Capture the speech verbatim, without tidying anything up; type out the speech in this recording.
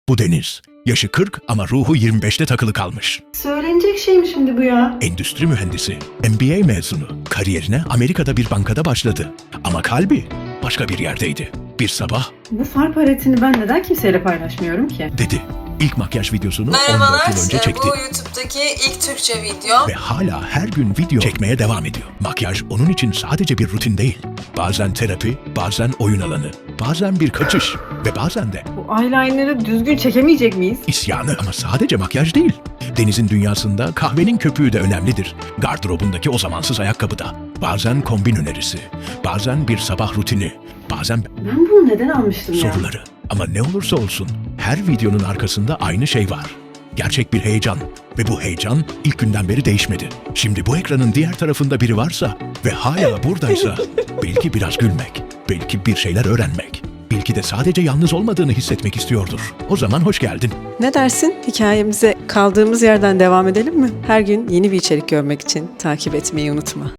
Bu Deniz. Yaşı kırk ama ruhu yirmi beşte takılı kalmış. Söylenecek şey mi şimdi bu ya? Endüstri mühendisi, M B A mezunu. Kariyerine Amerika'da bir bankada başladı. Ama kalbi başka bir yerdeydi. Bir sabah Bu far paletini ben neden kimseyle paylaşmıyorum ki? dedi. İlk makyaj videosunu on Merhabalar, dört yıl önce e, çekti. bu YouTube'daki ilk Türkçe video. Ve hala her gün video çekmeye devam ediyor. Makyaj onun için sadece bir rutin değil. Bazen terapi, bazen oyun alanı, bazen bir kaçış ve bazen de Bu eyeliner'ı düzgün çekemeyecek miyiz? isyanı. Ama sadece makyaj değil. Deniz'in dünyasında kahvenin köpüğü de önemlidir. Gardırobundaki o zamansız ayakkabı da. Bazen kombin önerisi, bazen bir sabah rutini, bazen Ben bunu neden almıştım ya? soruları. Ama ne olursa olsun her videonun arkasında aynı şey var. Gerçek bir heyecan ve bu heyecan ilk günden beri değişmedi. Şimdi bu ekranın diğer tarafında biri varsa ve hala buradaysa belki biraz gülmek, belki bir şeyler öğrenmek, belki de sadece yalnız olmadığını hissetmek istiyordur. O zaman hoş geldin. Ne dersin? Hikayemize kaldığımız yerden devam edelim mi? Her gün yeni bir içerik görmek için takip etmeyi unutma.